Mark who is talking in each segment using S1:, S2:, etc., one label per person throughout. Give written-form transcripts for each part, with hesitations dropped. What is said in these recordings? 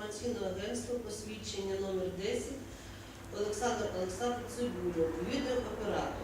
S1: інформаційного агентства посвідчення номер 10 Олександр Цибульов, відеооператор.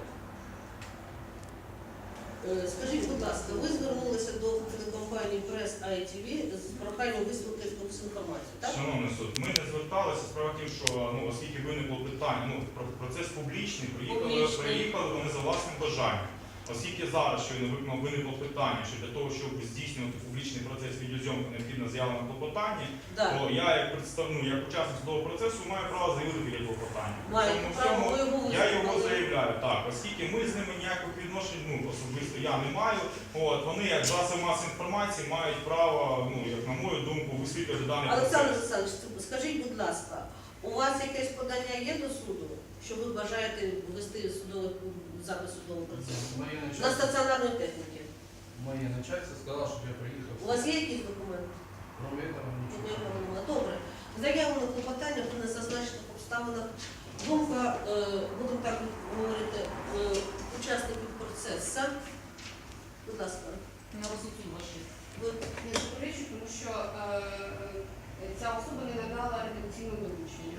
S1: Скажіть, будь ласка, ви звернулися до телекомпанії Press ITV з проханням висловити якусь інформацію, так?
S2: Шановний суд, ми не зверталися. Справа в тім, що оскільки виникло питання, процес публічний, приїхали вони за власним бажанням. Оскільки зараз щойно виникло питання, що для того, щоб здійснювати публічний процес відеозйомки, необхідно заява на клопотання, то я як учасник судового процесу маю право заявити таке клопотання. Я його заявляю, так, оскільки ми з ними ніяких відношень, особисто я не маю, вони як засоби масової інформації мають право, як на мою думку, висвітлювати даний процес.
S1: Олександр Олександрович, скажіть, будь ласка, у вас якесь подання є до суду, що ви бажаєте ввести запис судового процесу? На стаціонарної техніки?
S3: Моє начальство сказало, щоб я приїхав.
S1: У вас є якісь документи?
S3: Нічого.
S1: Добре. Заяву на клопотання при незазначених обставинах. Думка, будемо так говорити, учасників процесу. Будь ласка.
S4: На розсуді ваші.
S1: Ви
S4: Не заперечую, тому що ця особа не надала редакційне доручення.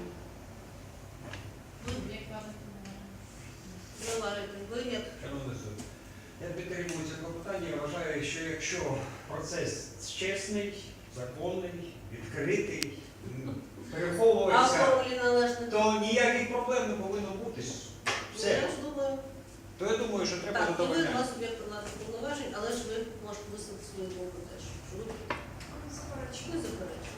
S4: Як кажете,
S1: ви як?
S5: Шановний суд, я підтримую це клопотання. Я вважаю, що якщо процес чесний, законний, відкритий, переховується, то ніяких проблем не повинно бути. Все.
S1: Я ж думаю.
S5: То я думаю, що треба
S1: Так, і ви
S5: задовольняти.
S1: два суб'єкти владних повноважень, але ж ви можете висловити свою думку теж. Що ви не заперечуєте.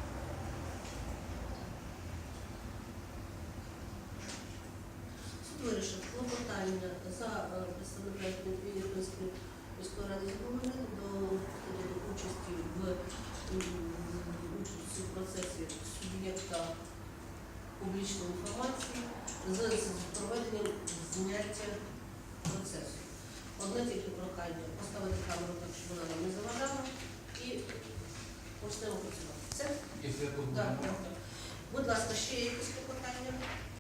S1: Суд вирішив клопотання за представника Ірпінської міської ради задовольнити до участі в процесі суб'єкта публічної інформації з проведенням зняття процесу. Одне тільки прохання поставити камеру так, щоб вона нам не заважала, і почнемо працювати. Все?
S3: Якщо я тут
S1: Так. Будь ласка, ще є якісь клопотання?